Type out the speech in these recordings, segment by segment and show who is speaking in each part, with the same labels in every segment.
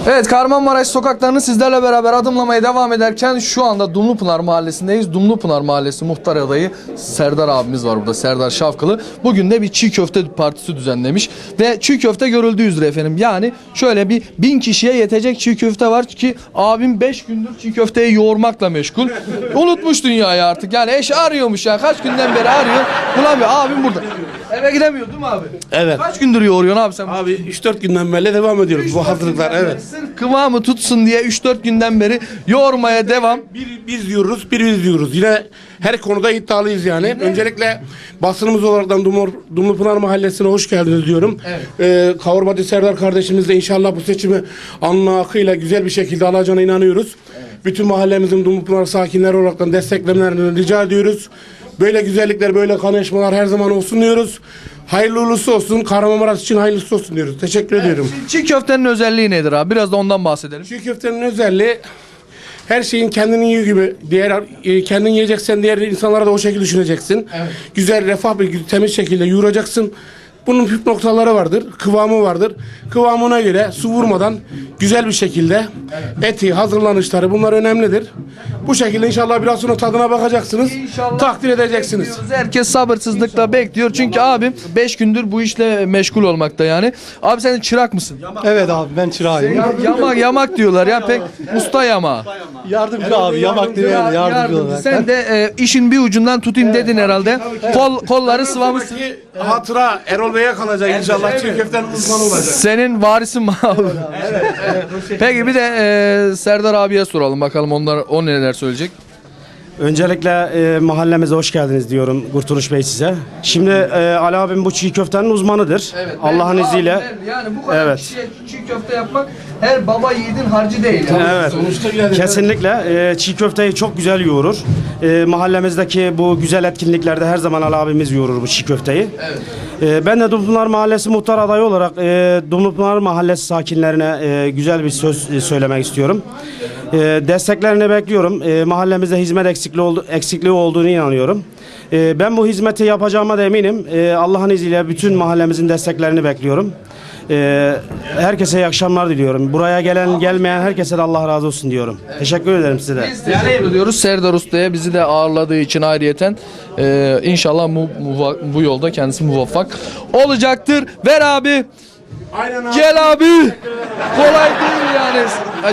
Speaker 1: Evet, Kahramanmaraş sokaklarını sizlerle beraber adımlamaya devam ederken şu anda Dumlupınar Mahallesi'ndeyiz. Dumlupınar Mahallesi muhtar adayı Serdar abimiz var burada, Serdar Şavkılı. Bugün de bir çiğ köfte partisi düzenlemiş ve çiğ köfte görüldüğü üzere efendim. Yani şöyle bir 1000 kişiye yetecek çiğ köfte var ki abim 5 gündür çiğ köfteyi yoğurmakla meşgul. Unutmuş dünyayı artık, yani eş arıyormuş ya, kaç günden beri arıyor. Bulamıyor, abim burada. Eve gidemiyor değil mi abi?
Speaker 2: Evet.
Speaker 1: Kaç gündür yoğuruyorsun abi sen?
Speaker 2: Abi 3-4 günden beri devam ediyoruz bu hazırlıklar, evet.
Speaker 1: Sırf kıvamı tutsun diye 3-4 günden beri yoğurmaya devam.
Speaker 2: Biz diyoruz, biz diyoruz. Yine her konuda iddialıyız yani. Öncelikle basınımız olaraktan Dumlupınar Mahallesi'ne hoş geldiniz diyorum.
Speaker 1: Evet.
Speaker 2: Kavurmacı Serdar kardeşimiz de inşallah bu seçimi alnı akıyla güzel bir şekilde alacağına inanıyoruz. Evet. Bütün mahallemizin Dumlupınar sakinleri olaraktan desteklemelerini rica ediyoruz. Böyle güzellikler, böyle kaynaşmalar her zaman olsun diyoruz. Hayırlı uğurlusu olsun. Kahramanmaraş için hayırlısı olsun diyoruz. Teşekkür ediyorum.
Speaker 1: Çiğ köftenin özelliği nedir abi? Biraz da ondan bahsedelim.
Speaker 2: Çiğ köftenin özelliği her şeyin kendini yiyor gibi. Kendin yiyeceksen diğer insanlara da o şekilde düşüneceksin. Evet. Güzel, refah bir temiz şekilde yoğuracaksın. Bunun püf noktaları vardır, kıvamı vardır. Kıvamına göre su vurmadan güzel bir şekilde eti, hazırlanışları bunlar önemlidir. Bu şekilde inşallah biraz sonra tadına bakacaksınız. İnşallah takdir edeceksiniz.
Speaker 1: Herkes sabırsızlıkla bekliyor. Çünkü abim 5 gündür bu işle meşgul olmakta yani. Abi sen çırak mısın?
Speaker 3: Evet abi, ben çırağıyım.
Speaker 1: Yamak diyorlar ya, pek usta yamağı.
Speaker 3: Yardımcı abi, yamak değil, yardımcı olarak.
Speaker 1: Sen de işin bir ucundan tutayım dedin herhalde. Kolları sıvamışsın.
Speaker 2: Hatıra Erol Bey'e kalacak inşallah. Çiğ köftenin uzmanı olacak.
Speaker 1: Senin varisin mi abi? Evet. Peki bir de Serdar abiye soralım bakalım, o neler söyleyecek.
Speaker 4: Öncelikle mahallemize hoş geldiniz diyorum Kurtuluş Bey size. Şimdi Ali abim bu çiğ köftenin uzmanıdır.
Speaker 1: Evet,
Speaker 4: Allah'ın izniyle.
Speaker 1: Yani bu kadar kişiye çiğ köfte yapmak her baba yiğidin harcı değil. Yani.
Speaker 4: Evet. Kesinlikle çiğ köfteyi çok güzel yoğurur. Mahallemizdeki bu güzel etkinliklerde her zaman Ali abimiz yoğurur bu çiğ köfteyi. Evet. Ben de Dumlupınar Mahallesi muhtar adayı olarak Dumlupınar Mahallesi sakinlerine güzel bir söz söylemek istiyorum. Desteklerini bekliyorum. Mahallemizde hizmet eksikliği olduğunu inanıyorum. Ben bu hizmeti yapacağıma da eminim. Allah'ın izniyle bütün mahallemizin desteklerini bekliyorum. Herkese iyi akşamlar diliyorum. Buraya gelen gelmeyen herkese de Allah razı olsun diyorum. Teşekkür ederim size de.
Speaker 1: Biz teşekkür ediyoruz Serdar Usta'ya, bizi de ağırladığı için ayrıyeten. İnşallah bu yolda kendisi muvaffak olacaktır. Ver abi.
Speaker 2: Aynen abi.
Speaker 1: Gel abi. Kolay değil yani.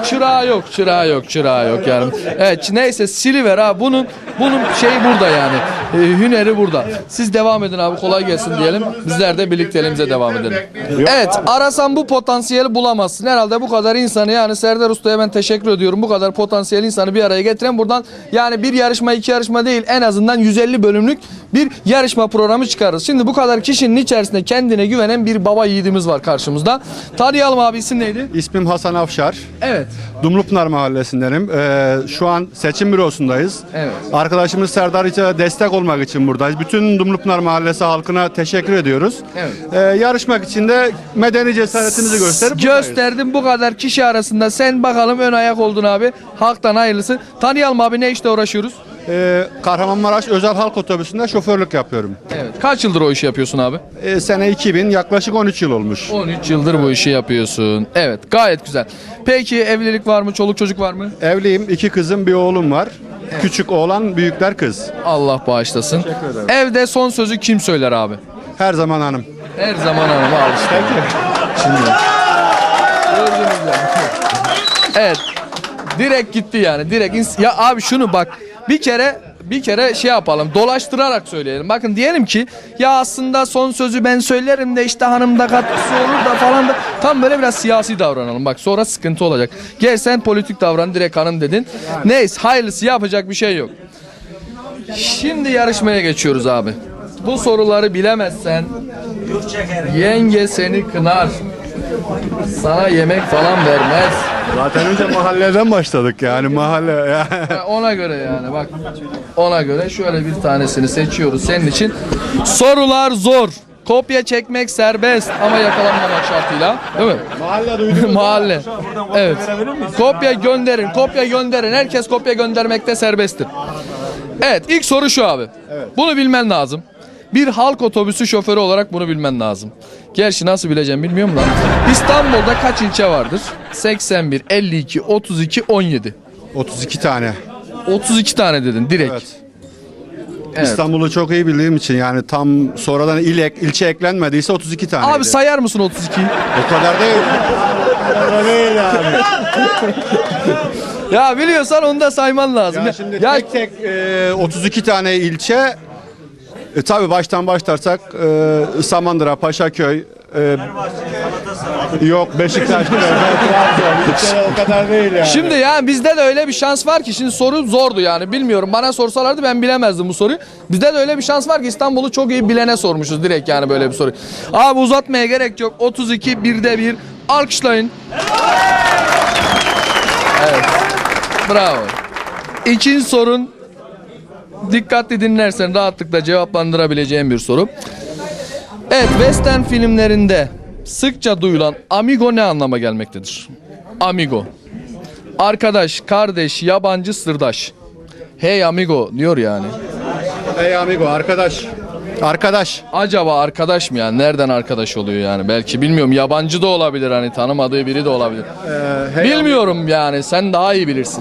Speaker 1: Çırağı yok yani. Evet, neyse siliver abi. Bunun şeyi burada yani. Hüneri burada. Siz devam edin abi, kolay gelsin diyelim. Bizler de birlikteliğimize devam edelim. Evet, arasan bu potansiyeli bulamazsın. Herhalde bu kadar insanı, yani Serdar Usta'ya ben teşekkür ediyorum. Bu kadar potansiyel insanı bir araya getiren, buradan yani bir yarışma, iki yarışma değil, en azından 150 bölümlük bir yarışma programı çıkarırız. Şimdi bu kadar kişinin içerisinde kendine güvenen bir baba yiğidimiz var karşımızda. Tanıyalım abi, isim neydi?
Speaker 5: İsmim Hasan Afşar.
Speaker 1: Evet.
Speaker 5: Dumlupınar Mahallesindenim. Şu an seçim bürosundayız.
Speaker 1: Evet.
Speaker 5: Arkadaşımız Serdar İç'e destek olmak için buradayız. Bütün Dumlupınar Mahallesi halkına teşekkür ediyoruz.
Speaker 1: Evet.
Speaker 5: Yarışmak için de medeni cesaretimizi gösterip
Speaker 1: gösterdim bu kadar kişi arasında. Sen bakalım ön ayak oldun abi. Halktan hayırlısı. Tanıyalım abi, ne işte uğraşıyoruz?
Speaker 5: Kahramanmaraş Özel Halk Otobüsü'nde şoförlük yapıyorum.
Speaker 1: Evet. Kaç yıldır o işi yapıyorsun abi?
Speaker 5: Sene 2000, yaklaşık 13 yıl olmuş.
Speaker 1: 13 yıldır bu işi yapıyorsun. Evet, gayet güzel. Peki evlilik var mı? Çoluk çocuk var mı?
Speaker 5: Evliyim, 2 kızım, bir oğlum var. Evet. Küçük oğlan, büyükler kız.
Speaker 1: Allah bağışlasın.
Speaker 5: Teşekkür ederim.
Speaker 1: Evde son sözü kim söyler abi?
Speaker 5: Her zaman hanım.
Speaker 1: Her zaman hanım, al işte. Şimdi. Gördünüz mü? Evet. Direkt gitti yani. Direkt. Ya abi şunu bak. Bir kere şey yapalım, dolaştırarak söyleyelim. Bakın diyelim ki ya aslında son sözü ben söylerim de işte hanımda katkısı olur da falan da, tam böyle biraz siyasi davranalım. Bak sonra sıkıntı olacak. Gel sen politik davran, direkt hanım dedin. Neyse, hayırlısı, yapacak bir şey yok. Şimdi yarışmaya geçiyoruz abi. Bu soruları bilemezsen yenge seni kınar. Sana yemek falan vermez.
Speaker 5: Zaten önce mahalleden başladık yani mahalle.
Speaker 1: Ona göre yani bak. Ona göre şöyle bir tanesini seçiyoruz senin için. Sorular zor. Kopya çekmek serbest ama yakalanmamak şartıyla. Değil mi?
Speaker 5: Mahalle duydunuz.
Speaker 1: Mahalle. Evet. Kopya gönderin. Kopya gönderin. Herkes kopya göndermekte serbesttir. Evet, ilk soru şu abi. Evet. Bunu bilmen lazım. Bir halk otobüsü şoförü olarak bunu bilmen lazım. Gerçi nasıl bileceğim bilmiyorum da. İstanbul'da kaç ilçe vardır? 81, 52, 32, 17.
Speaker 5: 32 tane.
Speaker 1: 32 tane dedin direkt.
Speaker 5: Evet.
Speaker 1: Evet.
Speaker 5: İstanbul'u çok iyi bildiğim için yani tam sonradan ilçe eklenmediyse 32 tane.
Speaker 1: Abi sayar mısın 32'yi?
Speaker 5: O kadar değil.
Speaker 1: Ya biliyorsan onu da sayman lazım.
Speaker 5: Ya şimdi
Speaker 1: Ya-
Speaker 5: tek tek 32 tane ilçe tabii baştan başlarsak Samandıra, Paşaköy, yok Beşiktaş, Trabzon, o kadar değil yani.
Speaker 1: Şimdi ya bizde de öyle bir şans var ki şimdi soru zordu yani bilmiyorum bana sorsalardı ben bilemezdim bu soruyu. Bizde de öyle bir şans var ki İstanbul'u çok iyi bilene sormuşuz direkt yani böyle bir soru. Abi uzatmaya gerek yok 32 1'de 1 alkışlayın. Evet bravo. İkinci sorun dikkatli dinlersen rahatlıkla cevaplandırabileceğin bir soru. Evet western filmlerinde sıkça duyulan amigo ne anlama gelmektedir? Amigo. Arkadaş, kardeş, yabancı, sırdaş. Hey amigo diyor yani.
Speaker 5: Hey amigo, arkadaş. Arkadaş.
Speaker 1: Acaba arkadaş mı yani? Nereden arkadaş oluyor yani? Belki bilmiyorum yabancı da olabilir hani tanımadığı biri de olabilir. Bilmiyorum yani sen daha iyi bilirsin.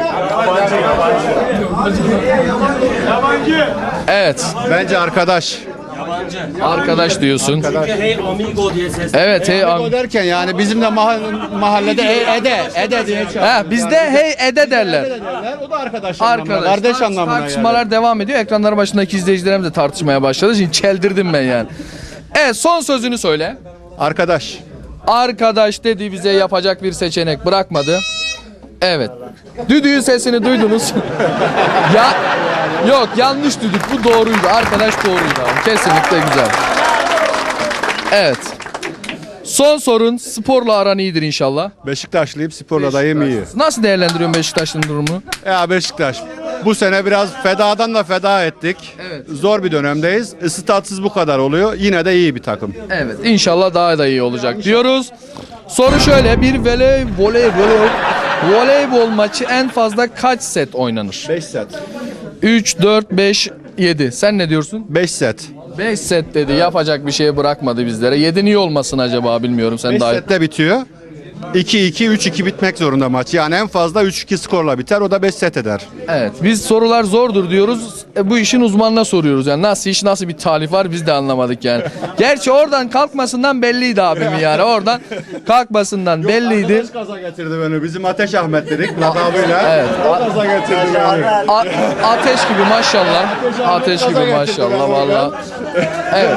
Speaker 1: Evet
Speaker 5: Bence arkadaş.
Speaker 1: arkadaş diyorsun.
Speaker 6: Hey amigo diye ses.
Speaker 1: Evet hey
Speaker 5: Amigo derken yani bizim de mahallede Ede diye çağırıyorlar.
Speaker 1: Ha, bizde hey ede derler.
Speaker 5: O da arkadaş anlamına,
Speaker 1: Arkadaş,
Speaker 5: kardeş anlamına
Speaker 1: tartışmalar
Speaker 5: yani.
Speaker 1: devam ediyor. Ekranların başındaki izleyicilerimiz de tartışmaya başladı. Şimdi çeldirdim ben yani. Evet son sözünü söyle.
Speaker 5: Arkadaş.
Speaker 1: Arkadaş dedi bize yapacak bir seçenek bırakmadı. Evet. Düdüğün sesini duydunuz. Ya yok yanlış düdük bu doğruydu. Arkadaş doğruydu abi. Kesinlikle güzel. Evet. Son sorun sporla aran iyidir inşallah.
Speaker 5: Beşiktaşlıyım, sporla dayım iyi.
Speaker 1: Nasıl değerlendiriyorsun Beşiktaş'ın durumunu?
Speaker 5: Ya Beşiktaş. Bu sene biraz fedadan da feda ettik.
Speaker 1: Evet.
Speaker 5: Zor bir dönemdeyiz. Statsız bu kadar oluyor. Yine de iyi bir takım.
Speaker 1: Evet inşallah daha da iyi olacak diyoruz. Soru şöyle bir voleybol maçı en fazla kaç set oynanır?
Speaker 5: 5 set.
Speaker 1: 3, 4, 5, 7. Sen ne diyorsun?
Speaker 5: 5 set.
Speaker 1: 5 set dedi yapacak bir şey bırakmadı bizlere. 7 niye olmasın acaba bilmiyorum sen
Speaker 5: 5
Speaker 1: daha iyi.
Speaker 5: sette bitiyor. 2-2, 3-2 bitmek zorunda maç. Yani en fazla 3-2 skorla biter. O da 5 set eder.
Speaker 1: Evet biz sorular zordur diyoruz. Bu işin uzmanına soruyoruz yani nasıl iş nasıl bir talif var biz de anlamadık yani. Gerçi oradan kalkmasından belliydi abimin yani oradan kalkmasından belliydi.
Speaker 5: Arkadaş gaza getirdi beni. Bizim Ateş Ahmet dedik lakabıyla.
Speaker 1: Evet.
Speaker 5: O gaza getirdi beni.
Speaker 1: Ateş gibi maşallah. Ateş gibi maşallah valla. Evet.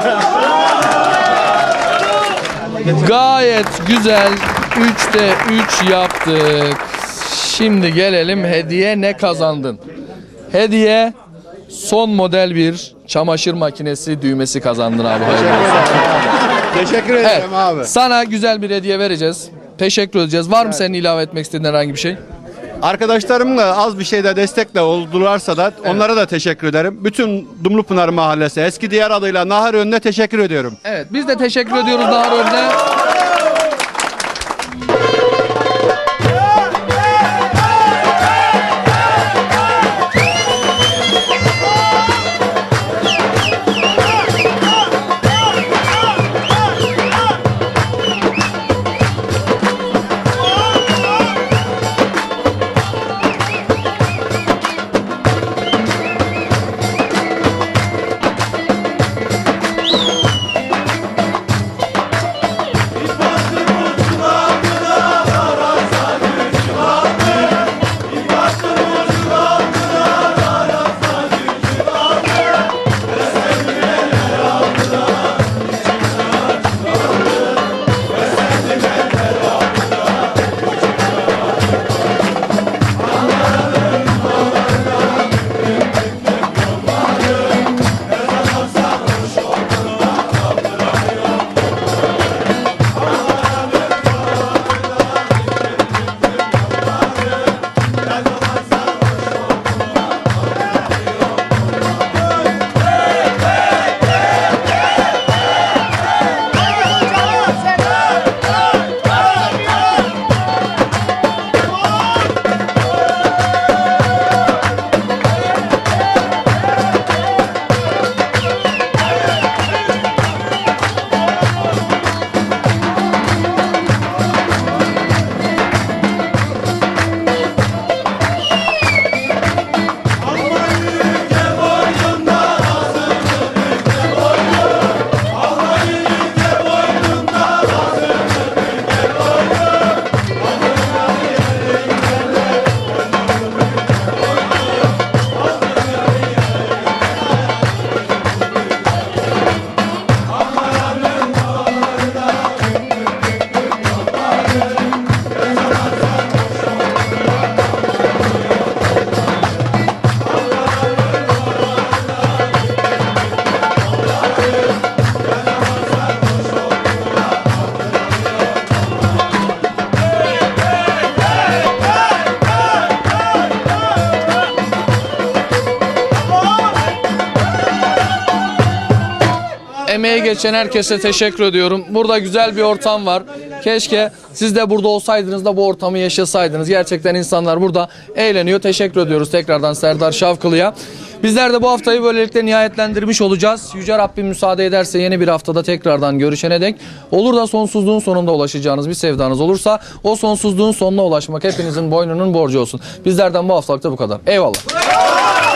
Speaker 1: Gayet güzel. 3'te 3 yaptık. Şimdi gelelim hediye ne kazandın? Hediye son model bir çamaşır makinesi düğmesi kazandın abi. Hayırlı olsun.
Speaker 5: Teşekkür
Speaker 1: Evet.
Speaker 5: ederim abi.
Speaker 1: Sana güzel bir hediye vereceğiz. Teşekkür edeceğiz. Var mı senin ilave etmek istediğin herhangi bir şey?
Speaker 5: Arkadaşlarımla az bir şeyde destekle oldularsa da onlara da teşekkür ederim. Bütün Dumlupınar Mahallesi eski diğer adıyla Nahar Önü'ne teşekkür ediyorum.
Speaker 1: Evet biz de teşekkür ediyoruz Nahar Önü'ne. emeği geçen herkese teşekkür ediyorum. Burada güzel bir ortam var. Keşke siz de burada olsaydınız da bu ortamı yaşasaydınız. Gerçekten insanlar burada eğleniyor. Teşekkür ediyoruz tekrardan Serdar Şavkılı'ya. Bizler de bu haftayı böylelikle nihayetlendirmiş olacağız. Yüce Rabbim müsaade ederse yeni bir haftada tekrardan görüşene dek, olur da sonsuzluğun sonunda ulaşacağınız bir sevdanız olursa o sonsuzluğun sonuna ulaşmak hepinizin boynunun borcu olsun. Bizlerden bu haftalıkta bu kadar. Eyvallah.